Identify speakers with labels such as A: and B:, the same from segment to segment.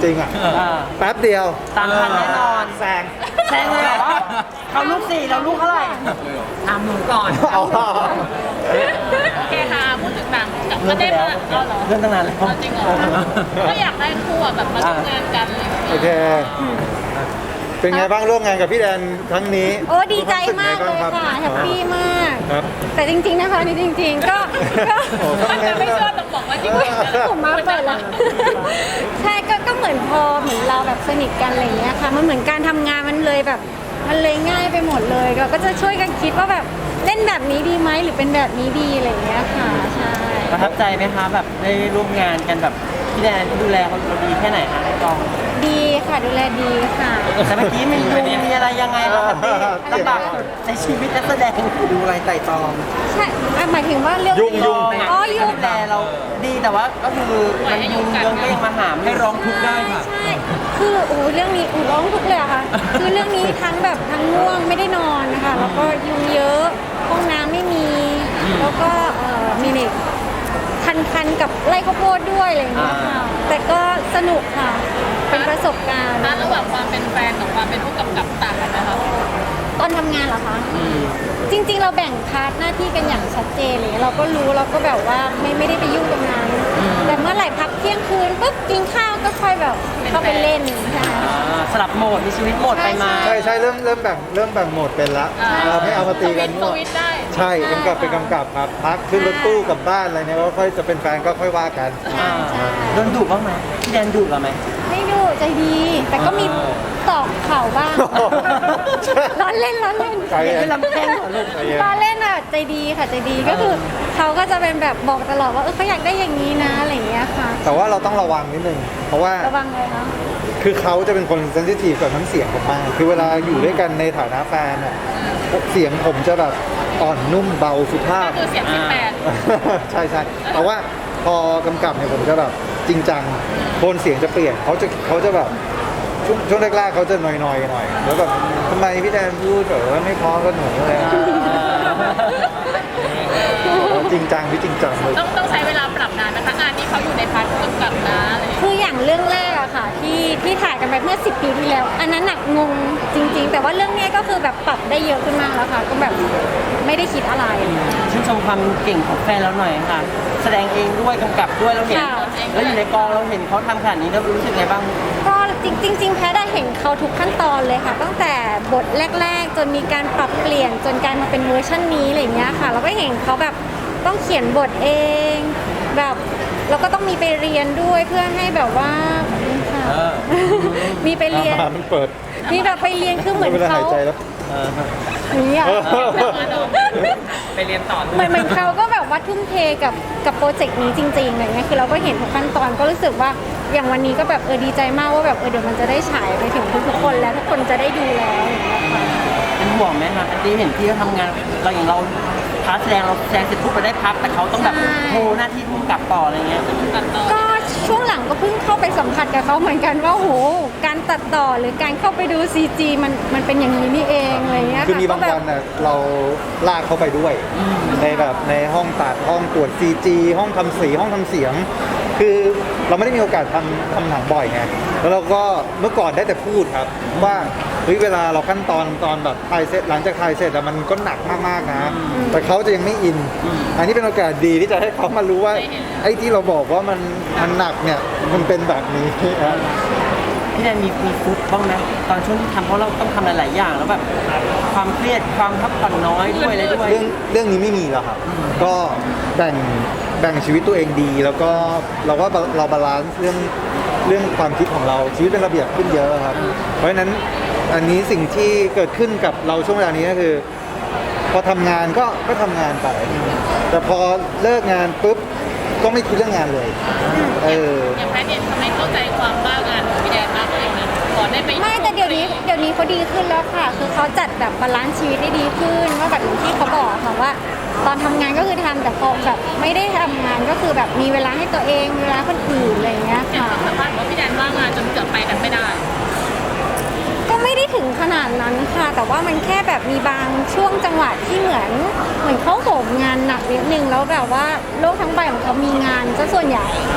A: ริงๆอ่ะแป๊บเดียว
B: ตามทันแน่นอน
A: แซง
B: เลยเหรอเขาลูก4เราลูกเท่าไหร่ถามหนูก่อน
A: เอา
C: โอเคค่ะพูดถึงหนังก็ได้มาเอาเหรอ
B: เรื่องตั้งนานแล้ว
C: จริงเหรอก็อยากได้คู่แบบมาร่วมงานกันเลย
A: โอเคเป็นไงบ้างร่วมงานกับพี่แดนครั้งนี้
D: โอ้ดีใจมากเลยค่ะแฮปปี้มาก
A: ครับ
D: แต่จริงๆนะคะนี่จริง ๆ ก็
C: มันจะไม่เชื่อต้องบอกว่าจริงๆ
D: ผมมาเปิดละใช่ก็เหมือนพอเหมือนเราแบบสนิทกันอะไรอย่างเงี้ยค่ะมันเหมือนการทำงานมันเลยแบบมันเลยง่ายไปหมดเลยเราก็จะช่วยกันคิดว่าแบบเล่นแบบนี้ดีไหมหรือเป็นแบบนี้ดีอะไรอย่างเงี้ยค่ะใช่
B: ประทับใจไหมคะแบบได้ร่วมงานกันแบบพี่แดนดูแลเขาดีแค่ไหนคะในกอง
D: ดีค่ะดูแลดีค่ะ
B: แต่เมื่อกี้มีอะไรยังไงบ้างครับพี่ลำบากในชีวิตนักแสดงดูอะไรไต่ตอง
D: ใช่หมายถึงว่าเรื่อง
A: ยุ่ง
D: อ๋อยุ่ง
B: ดูแลเราดีแต่ว่าก็คือมันยุงเยิงก็ยังมาหามให้ร้องทุกข์ได้ค่ะ
D: ใช่คือโอ้เรื่องนี้ร้องทุกเลยอะค่ะคือเรื่องนี้ทั้งแบบทั้งง่วงไม่ได้นอนนะคะแล้วก็ยุงเยอะห้องน้ำไม่มีแล้วก็มีเน็ตคันกับไร่ข้าวโพดด้วยอะไรอย่างเงี้ยค่ะแต่ก็สนุกค่ะเป็นประสบการณ์
C: ระหว่างความเป็นแฟนกับความเป็นผู้กำกับต่างกันไหมคะ
D: ตอนทำงานเหรอคะจริงๆเราแบ่งพาร์ทหน้าที่กันอย่างชัดเจนเลยเราก็รู้เราก็แบบว่าไม่ได้ไปยุ่งตรงนั้นแต่เมื่อไหร่พักเที่ยงคืนปุ๊บกินข้าวก็ค่อยแบบเข้าไปเล่นใช่
B: สลับโหมดมีชีวิตโหมดไปมา
A: ใช่เริ่มแบ่งโหมดเป็นละเราไม่เอามาตีกัน
C: สวิตช์ได้
A: ใช่กำกับเป็นกำกับครับพักขึ้นรถตู้กลับบ้านอะไรเนี่ยก็ค่อยจะเป็นแฟนก็ค่อยว่ากัน
B: โดนดุบ้างไหมพี่แดนดุเราไหม
D: ไม่ดูใจดี แต่ก็มีตอกเข่าบ้างร้อนเล่น
A: ใจเย็น
B: ไม่ลำแข้งเหรอลูก
D: ร้อนเล่นอ่ะใจดีค่ะใจดีก็คือเขาก็จะเป็นแบบบอกตลอดว่าเขาอยากได้อย่างนี้นะอะไรอย่างเงี้ยค่ะ
A: แต่ว่าเราต้องระวังนิดนึงเพราะว่า
D: ระวังเลยนะ
A: คือเขาจะเป็นคนเซนซิทีฟกับน้ำเสียงผมมากคือเวลาอยู่ด้วยกันในฐานะแฟนอ่ะเสียงผมจะแบบอ่อนนุ่มเบาสุภาพ
C: คือเสียง18
A: ใช่แต่ว่าพอกำกับเนี่ยผมจะแบบจริงจังโทนเสียงจะเปลี่ยนเขาจะแบบช่วงแรกๆเขาจะหน่อยหน่อยแล้วแบบทำไมพี่แดนพูดแบบว่าไม่พอกับหนูเลยจริงจังพี่จริงจังเลย
C: ต้องใช้เวลาปรับนานนะคะงานนี้เขาอยู่ในพาร์ทผู้กำกับนะอะไรอย่างเงี้ย
D: คืออย่างเรื่องแรกอะค่ะที่ถ่ายกันไปเมื่อ10 ปีที่แล้ว อันนั้นหนักงงจริง ๆ แต่ว่าเรื่องนี้ก็คือแบบปรับได้เยอะขึ้นมากแล้วค่ะก็แบบไม่ได้คิดอะไร
B: ชื่นชมความเก่งของแฟนเราหน่อยค่ะ แสดงเองด้วยกำกับด้วยเราเห็น
D: ค่ะ
B: แล้วอยู่ในกองเราเห็นเขาทำขนาดนี้แล้วรู้สึกไงบ้าง
D: ก็จริงๆแพทย์ได้เห็นเขาทุกขั้นตอนเลยค่ะตั้งแต่บทแรกๆ จนมีการปรับเปลี่ยนจนกลายมาเป็นเวอร์ชันนี้อะไรอย่างเงี้ยค่ะเราก็เห็นเขาแบบต้องเขียนบทเองแบบเราก็ต้องมีไปเรียนด้วยเพื่อให้แบบว่าค่ะมีไปเรียน
A: มันเปิด
D: มีแบบไปเรียนคือเหมือน
A: เวลา
D: เขา
A: หายใจแล้ว
D: อย่างเงี้ย
B: ไปเรียนต่อ
D: เหมือนเขาก็แบบว่าทุ่มเทกับโปรเจกต์นี้จริงๆอะไรเงี้ยคือเราก็เห็นทุกขั้นตอนก็รู้สึกว่าอย่างวันนี้ก็แบบดีใจมากว่าแบบเดี๋ยวมันจะได้ฉายไปถึงทุกๆคนแล้วทุกคนจะได้ดูแล้วอย่างเงี้ยค่ะ
B: เป็นห่วงไหมคะอันนี้เห็นพี่เขาทำงานเราอย่างเราพาร์ทแสดงเราแสดงเสร็จปุ๊บไปได้พักแต่เขาต้องแบบโหหน้าที่พุ่งกลับต่ออะไรเงี้ย
D: ก็ช่วงหลังก็เพิ่งเข้าไปสัมผัสกับเขาเหมือนกันว่าโหการตัดต่อหรือการเข้าไปดู CG มันเป็นอย่างนี้นี่เองอะไรเงี้ย
A: คือมีบางวันน่ะเราลากเขาไปด้วยในแบบในห้องตัดห้องตรวจ CG ห้องทำสีห้องทำเสียง คือเราไม่ได้มีโอกาสทำหนังบ่อยไงแล้วเราก็เมื่อก่อนได้แต่พูดครับว่าเฮ้ยเวลาเราขั้นตอนแบบถ่ายเสร็จหลังจากถ่ายเสร็จอะมันก็หนักมากๆนะแต่เขาจะยังไม่อิน อันนี้เป็นโอกาสดีที่จะให้เขามารู้ว่าไอ้ที่เราบอกว่ามันหนักเนี่ยมันเป็นแบบนี้นะ
B: พี่แดนมีฟุตบ้างไหมตอนช่วงที่ทำเพราะเราต้องทำหลายๆอย่างแล้วแบบความเครียดความพักผ่อนน้อยด้วยอะไรด้วย
A: เรื่องนี้ไม่มีแล้วครับ ก็แบ่งชีวิตตัวเองดี แล้วก็เราว่าเราบาลานซ์เรื่องความคิดของเราชีวิตเป็นระเบียบขึ้นเยอะครับ เพราะฉะนั้นอันนี้สิ่งที่เกิดขึ้นกับเราช่วงเวลานี้ก็คือ พอทำงานก็ทำงานไป แต่พอเลิกงานปุ๊บก็ไม่คิดเรื่องงานเลย
C: อย่างแพทย์เนี่ยทำให้เข้าใจความบ้างานของพี่แดนมากเลยนะก่อนได้ไป
D: ไม่แต่เดี๋ยวนี้เขาดีขึ้นแล้วค่ะ คือเขาจัดแบบบาลานซ์ชีวิตได้ดีขึ้นว่าแบบอย่างที่เขาบอกค่ะว่า ตอนทำงานก็คือทำแต่พอแบบไม่ได้ทำงานก็คือแบบมีเวลาให้ตัวเองมีเวลาคนอื่นอะไรอย่างเงี้ย
C: เห็น
D: ค่ะ
C: สัมภาษณ์ว่าพี่แดนว่างงานจนเกือบไปกันไม่ได้
D: ก็ไม่ได้ถึงขนาดนั้นค่ะ แต่ว่ามันแค่แบบมีบางช่วงจังหวะที่เหมือนเขาโหมงานหนักนิดนึงแล้วแบบว่าโลกทั้งใบของเขามีงานซะส่วนใหญ่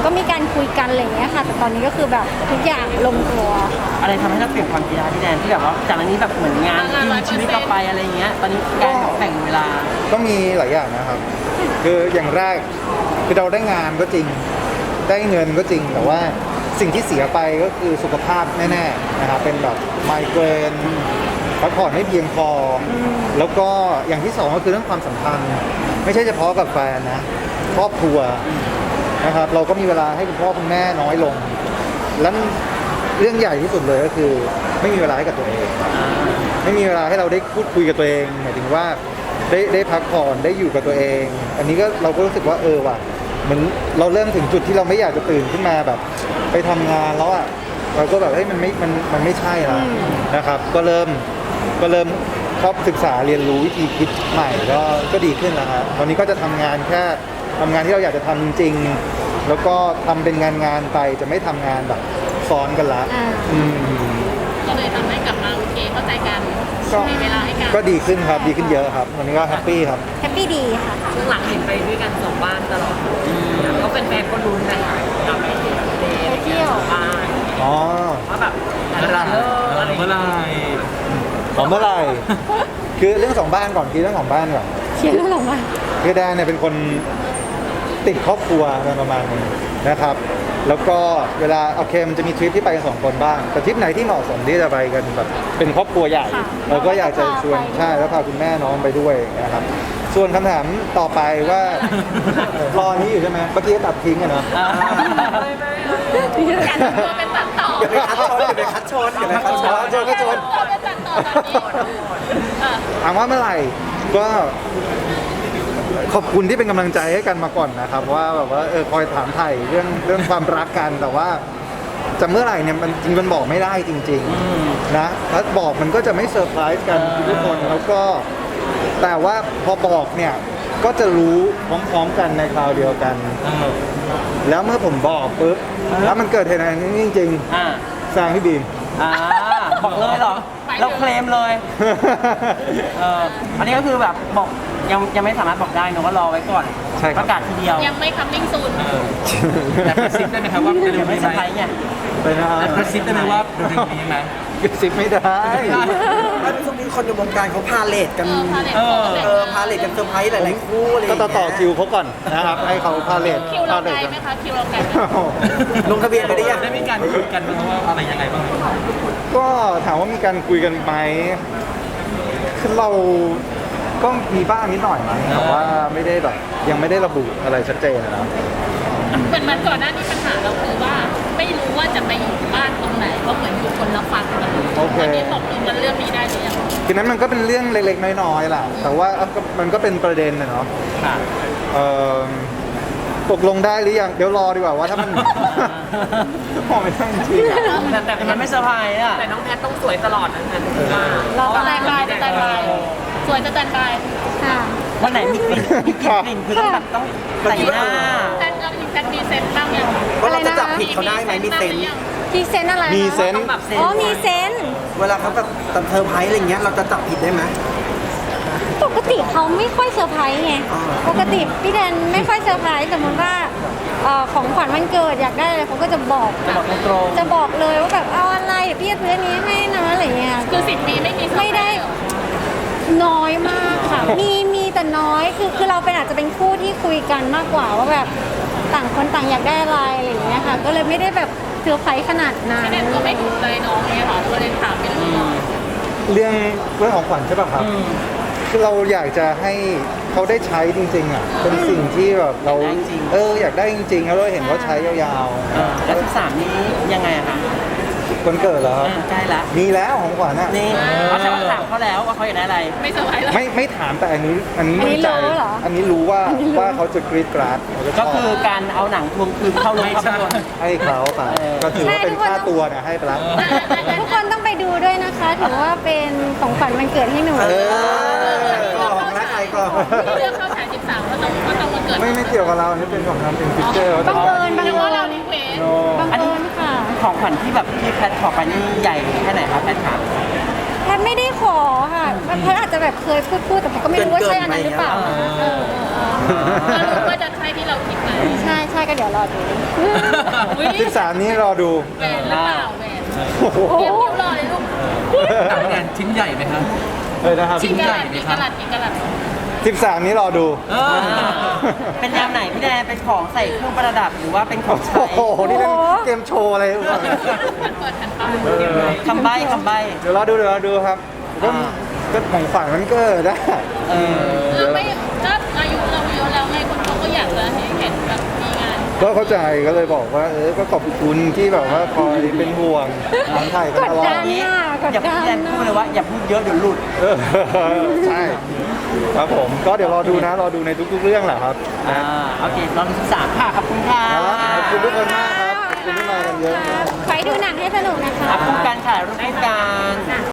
D: ก็มีการคุยกันอะไรอย่างเงี้ยค่ะ แต่ตอนนี้ก็คือแบบทุกอย่างลงตัวค่ะ
B: อะไรทำให้เราเปลี่ยนความคิดได้พี่แดนที่แบบว่าจากอันนี้แบบเหมือนงานกินชีวิตเราไปอะไรเงี้ยตอนนี้การแข่งเวลา
A: ก็มีหลายอย่างนะครับ คืออย่างแรกคือเราได้งานก็จริง ได้เงินก็จริง แต่ว่าสิ่งที่เสียไปก็คือสุขภาพแน่ๆนะครับ เป็นแบบไมเกรนพักผ่อนไม่เพียงพอแล้วก็อย่างที่สองก็คือเรื่องความสัมพันธ์ ไม่ใช่เฉพาะกับแฟนนะ ครอบครัวนะครับ เราก็มีเวลาให้คุณพ่อคุณแม่น้อยลง แล้วเรื่องใหญ่ที่สุดเลยก็คือไม่มีเวลาให้กับตัวเอง ไม่มีเวลาให้เราได้พูดคุยกับตัวเองหมายถึงว่าได้พักผ่อนได้อยู่กับตัวเอง อันนี้ก็เราก็รู้สึกว่าว่ะเหมือนเราเริ่มถึงจุดที่เราไม่อยากจะตื่นขึ้นมาแบบ ไปทำงานแล้วอ่ะเราก็แบบเฮ้ยมันไม่ใช่แล้วนะครับ ก็เริ่มชอบศึกษาเรียนรู้วิธีคิดใหม่ก็ดีขึ้นแล้วครับตอนนี้ก็จะทำงานแค่ทำงานที่เราอยากจะทำจริงๆแล้วก็ทำเป็นงานไปจะไม่ทำงานแบบซ้อนกันละ
C: ก็เลยทำให้กลับมาโอเคเข้าใจกัน
A: ก็
C: มีเวลาให้กัน
A: ก็ดีขึ้นครับดีขึ้นเยอะครับวันนี้ก็แฮปปี้ครับ
D: แฮปปี้ดีค่ะ
C: ช่วงหลังเห็นไปด้วยกันสองบ้านตลอดก็เป็นแฟนก็ลุ้นกันกับไปเที่ยวบ้าน
A: อ๋อ
C: ว่าแบบเมื่อไหร่
A: ของเมื่อไหร่ คือเรื่องสองบ้านก่อนคือเรื่องของบ้านก่อน
D: เชียร์เรื่องของมัน
A: คือแดนเนี่ยเป็นคนติดครอบครัวโดยประมาณนึงนะครับ แล้วก็เวลาโอเคมันจะมีทริปที่ไปกันสองคนบ้าง แต่ทริปไหนที่เหมาะสมที่จะไปกันแบบเป็นครอบครัวใหญ่เราก็อยากจะชวนใช่แล้วพาคุณแม่น้องไปด้วยนะครับ ส่วนคำถามต่อไปว่ารอนี้อยู่ใช่ไหมเมื่อกี้ตัดทิ้งอะเนาะ
C: การทำตัวเป็นตัดต่อ
E: อย่าไปคัดชนอย่าไปคัดชน
A: ชนก็ชน
C: ตัวเป็นตัดต่อแบบนี้
A: ถามว่าเมื่อไหร่ก็ขอบคุณที่เป็นกำลังใจให้กันมาก่อนนะครับ ว่าแบบว่าคอยถามไถ่เรื่องความรักกันแต่ว่าจะเมื่อไหร่เนี่ยมันจริงมันบอกไม่ได้จริงๆนะถ้าบอกมันก็จะไม่เซอร์ไพรส์กันทุกคนแล้วก็แต่ว่าพอบอกเนี่ยก็จะรู้พร้อมๆกันในคราวเดียวกัน แล้วเมื่อผมบอกปุ๊บแล้วมันเกิดเหตุการณ์นี้จริง
B: อ่า
A: ๆแซงพี่บีม
B: บอกเลยเหรอเราเคลมเลยอันนี้ก็คือแบบบอกยังไม่สามารถบอกได้นะว่ารอไว้ก่อน
A: ใช่ครับ
B: ประกาศทีเดียว
C: ยังไม่ coming soon
E: แต่กระซิบได้ไหมครับว่าเร็ว
B: ยัง
E: ๆ
B: ไม่
E: นี้
B: เซ
E: ไห
B: อ
E: ม
B: ร์ไพรส์ไง
A: ไปนะ
E: แต่กระซิบได้ไหมว่าเร็วๆนี้ไหม
A: กระซิบไม่ได้
E: ช่วงนี้คนในวงการเขาพาเลทกัน
C: พาเลทของแต่งงาน
E: พาเลทกันเซอร์ไพรส์หลายๆคู่อะไร
A: ก็ต่อคิวเขาก่อนนะครับให้เขาพาเลท
C: คิวเรา
A: พาเล
C: ไกล
A: ท
C: ไหมคะคิวเราไกลไหม
E: ลงทะเบียนไปได้ยัง
B: ได้มีการคุยกันว่าอะไรยังไงบ้าง
A: ก็ถามว่ามีการคุยกันไหมคือเราก็มีบ้างนิดหน่อยนะแต่ว่าไม่ได้แบบยังไม่ได้ระบุอะไรชัดเจนนะ
C: เหมือนก่อนหน้านี้ปัญหาเราคือว่าไม่รู้ว่าจะไปอยู่บ้านตรงไหนเพราะเหมือนอยู่คนละฝั่งกันวันนี้ตกลงกันเรื่องนี้ได้หรือยัง
A: คือนั้นมันก็เป็นเรื่องเล็กๆน้อยๆแหละแต่ว่ามันก็เป็นประเด็นนะเนาะ
B: ค่ะ
A: เอ่อตกลงได้หรือยังเดี๋ยวรอดีกว่าว่าถ้ามัน พอไม่ได้จริงๆอะ
B: แต่มันไม่เซอร์ไพรส์อ่ะ
C: แต่น้องแพทต้องสวยตลอดนะแพทเราสแตนบายสแตนบายสวยสแตนบาย
D: ค่ะ
B: วันไหนมีกลิ่นคือต้องแบบต้องแต่งหน้า
C: แพทเราจริงแพทมีเซนต์บ้างยัง
E: ว่าเราจะจับผิดเขาได้ไหมมีเซนส์
D: มีเซนส์อะไรคะ
A: มีเซนส์
D: อ๋อมีเซนส์
E: เวลาเขาแบบเซอร์ไพรส์อะไรเงี้ยเราจะจับผิดได้ไหม
D: ปกติเขาไม่ค่อยเซอร์ไพรส์ไง
E: อ่า
D: ปกติพี่แดนไม่ค่อยเซอร์ไพรส์สมมติว่าของขวัญวันเกิดอยากได้อะไรเขาก็จะบอก
B: จะบอกตรง
D: จะบอกเลยว่าแบบเอาอะไรเดี๋ยวพี่จะซื้ออันนี้ให้นะอะไรเงี้ย
C: คือ10 ปีไม่มี
D: ไม่ได้น้อยมากค่ะ มีแต่น้อยคือเราเป็นอาจจะเป็นคู่ที่คุยกันมากกว่าว่าแบบต่างคนต่างอยากได้อะไรอะไรอย่างเงี้ยค่ะ ก็เลยไม่ได้แบบเซอร์ไพรส์ขนาดนั้น
C: พี่แดนก็ไม่ถูกใจน้องเนี่ยหรอก็เลยถามไปเลย
A: เรื่องของขวัญใช่ป่ะครับคือเราอยากจะให้เขาได้ใช้จริงๆอ่ะเป็นสิ่งที่แบบเราอยากได้จริงๆแล้วเราเห็นเขาใช้ยาว
B: แล้ว13นี้ยังไงอะคะ
A: ๆคนเกิดเหรอครับ
B: ใกล้ละ
A: มีแล้วของขวัญอ่ะ
B: นี่เขาแต่ว่าถามเขาแล้วว่าเขาอยากได้อะไร
C: ไม่เซอร์ไพรส์เลย
A: ไม่ถามแต่อันนี้มั่นใจอันนี้รู้ว่าเขาจะกรี๊ดกราดเขาจะช
B: ก็
A: อบ
B: คือการเอาหนังทวงคืนเข้าโรงภาพยนตร์
A: ให้เขาไปก็ถือว่าเป็นค่าตัวนะให้ไปแล้ว
D: ทุกคนต้องไปดูด้วยนะคะถือว่าเป็นของขวัญวันเกิดให้หนู
E: ก็ของรักใครก็
C: เรื่องเข้าฉาย13ก็ต้องมาเกิด
A: ไม่เกี่ยวกับเราอันนี้เป็นของทำเป็นพิเจอร์
D: บังเอิญบัง
C: หรือ
D: เอิ
C: ว่าเรา
D: ญ
C: รีเควส
D: บังเอิญค่ะ
B: ของขวัญที่แบบพี่แพทขอไปนี่ใหญ่แค่ไหนครับแพทถาม
D: แพทย์ไม่ได้ขอค่ะแพทย์อาจจะแบบเคยพูดแต่แพทย์ก็ไม่รู้ว่าใช่อันนั้นหรือเปล่า
C: ก็รู้ว่าจะใช่ที่เราคิดไหม
D: ใช่ก็เดี๋ยวรอดู
C: อุ๊ย
A: 13 นี้รอดู
C: แหวนหรือเปล่าแหวน
A: โอ้โห
C: เตรียมคิ้วรอเลยลูก
F: แต่ว่างานชิ้นใหญ่ไหมครับ
A: เลยนะครับ
C: กี่กะลัดกี่กะลัดกี่กะลัด
A: 13 นี้รอดู
B: เป็นแนวไหนพี่แดนเป็นของใส่เครื่องประดับหรือว่าเป็นของใช้
A: โอ้โห นี่เล่นเกมโชว์อะไรวะ
C: มันเปิดทันปะ
B: คำใบ้
A: เดี๋ยวรอดูครับก็ของฝันมันเกิดได้
C: ไม่ก็อายุเราเยอะแล้วไงคนเขาก็อยากจะให้เห็นแบบมีงาน
A: ก็เข้าใจก็เลยบอกว่าก็ขอบคุณที่แบบว่าคอยเป็นห่วงถามไทยกันตลอด
B: อย่าพี่แดนพูดเลยว่าอย่าพูดเยอะเดี๋ยวหลุด
A: ใช่ครับผมก็เดี๋ยวรอดูในทุกๆเรื่องแหละครับนะ
B: โอเคตอน13ค่ะขอบคุณค่ะ
A: ขอบคุณทุกคนมากครับขอบคุณที่มากันเยอะ
D: ขอให้ดูหนังให้สนุกนะคะ
B: คู่กันค่ะรูปคู่กัน